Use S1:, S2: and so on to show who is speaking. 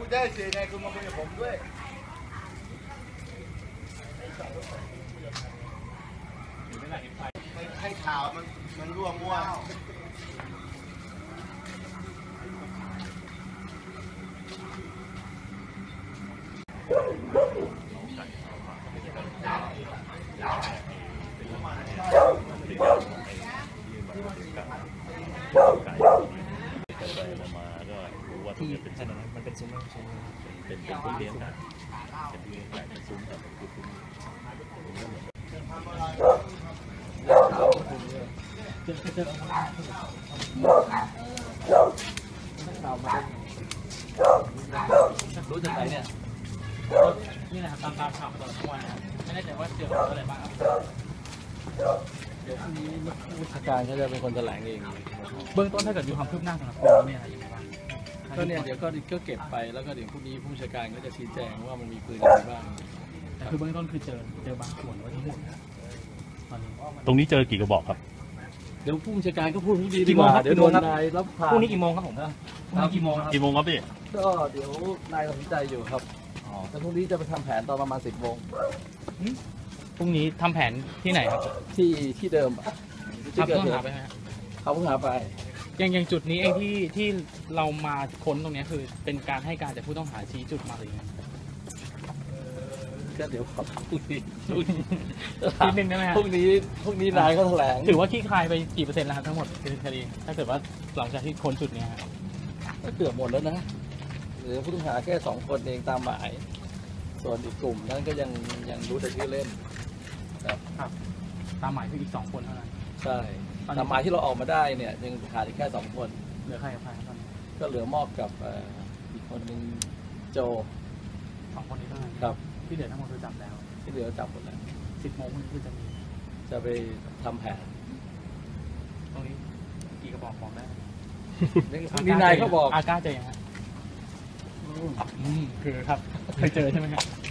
S1: จะให้เสียไงคุณมาคุยกับผมด้วยให้ข่าวมันร่วงมั่ว
S2: ที่ถนนมันเป็นซุ้มเป็นที่เลี้ยงไก่เป็นที่เลี้ยงไก่เป็นซุ้มแต่เป็นซุ้มรู้จากไหนเนี่ยนี่แหละครับตามข่าวมาตลอดทั้งวันนะครับไม่แน่ใจว่าเจออะไรบ้างครับเดี๋ยวพรุ่งนี้ผู้จัดการเขาจะเป็นคนแถลงเองเบื้องต้นถ้าเกิดมีความคืบหน้าสำหรับเรื่องนี้อะไรอย่างเงี้ยก็เนี่ยเดี๋ยวก็เก็บไปแล้วก็เดี๋ยวพรุ่งนี้ผู้จัดการก็จะชี้แจงว่ามันมีปืนอะไรบ้างแต่คือเบื้องต้นคือเจอบางส่วนว่าทั้งหมดตอนนี้
S3: ตรงนี้เจอกี่กระบอกครับ
S2: เดี๋ยวผู้จัดการก็พูดดีกว่าเดี๋ยวโดนนายรับผ่าน
S3: พรุ่งนี้กี่โมงครับผมพรุ่งนี้กี่โมงครับพี่
S2: ก็เดี๋ยวนายตัดสินใจอยู่ครับแต่พรุ่งนี้จะไปทำแผนตอนประมาณ10 โมง
S3: พรุ่งนี้ทำแผนที่ไหนครับ
S2: ที่เดิม
S3: ครับต้องหาไปไหม
S2: เขาเพิ่งหาไป
S3: อย่างจุดนี้เองที่เรามาค้นตรงนี้คือเป็นการให้การจากผู้ต้องหาชี้จุดมาเลย
S2: ก็เดี๋ยวขอพรุ่งนี้
S3: นิดนึงได้ไหมครับ
S2: พรุ่งนี้นายเขาแถลง
S3: ถือว่าขี้คายไปกี่เปอร์เซ็นต์แล้วครับทั้งหมดคดีถ้าเกิดว่าหลังจากที่ค้นจุดนี้
S2: ก็เกือบหมดแล้วนะหรือผู้ต้องหาแค่2 คนเองตามหมายส่วนอีกกลุ่มนั้นก็ยังรู้แต่ชื่อเล่น
S3: ครับตามหมายคืออีก2 คนเท่านั้น
S2: ใช่ตามหมายที่เราออกมาได้เนี่ยยังขาดอีกแค่2 คน
S3: เหลือใครกับใครครับ
S2: ก็เหลือมอบกับอีกคนหนึ่งโจ
S3: 2 คนนี้เท่านั้น
S2: ครับ
S3: ที่เหลือทั้งหมดคือจับแล้ว
S2: ที่เหลือจับหมดแล้ว
S3: 10 โมงคือจะ
S2: ไปทำแผน
S3: ตรงนี้กี่กระบอกได้
S2: นี่นายเขาบอก
S3: อาก้าเจอยังไงคือครับเคยเจอใช่ไหมครับ